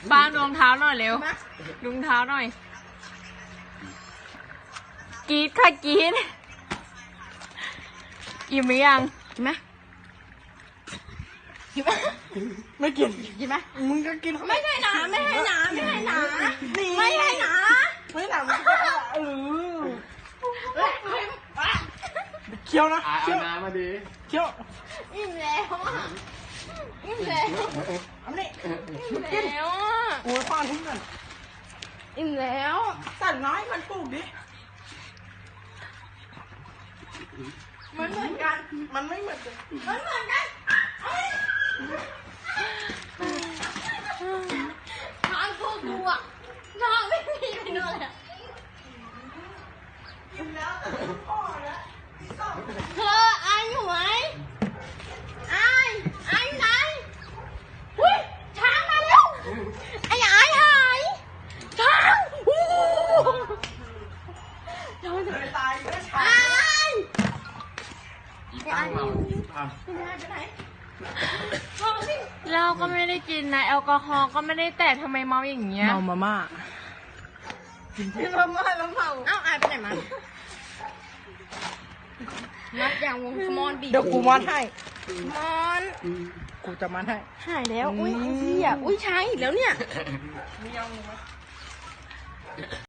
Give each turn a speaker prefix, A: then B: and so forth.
A: บางดวงเท้าหน่อยเร็วดวงเท้าหน่อยกรีดค่ะกรีดอิ่มหรือยังกินไหมกินไหมไม่กินกินไหมมึงก็กินไม่ให้หนาไม่ให้หนาไม่ให้หนาไม่ให้หนาไม่หนาเคี้ยวนะเคี้ยวน้ำมาดิเคี้ยวอิ่มแล้วอิ่มแล้วอันนี้อิ่มแล้วโอ้ยฟังทิ้งกันอิ่มแล้วสั่นน้อยมันปลูกดิมันเหมือนกันมันไม่เหมือนกันมันเหมือนกันทางพวกกูอ่ะทางไม่มีไปโน่นเลยอิ่มแล้วพ่อแล้วเธออายอยู่ไหมอายอยู่ไหนหุ้ยช้างมาแล้วไอ้อายหายช้างเราจะตายก็ช้างเราก็ไม่ได้กินนะแอลกอฮอล์ก็ไม่ได้แตะทำไมเมาอย่างเงี้ยเมามาม่ากินมาม่าแล้วเมาเอ้าอายไปไหนมานัดอย่างวงมอนบีเดี๋ยวกูมอนให้มอนกูจะมอนให้หายแล้วอุ้ยไอ้เหี้ยอุ้ยช้างอีกแล้วเนี่ย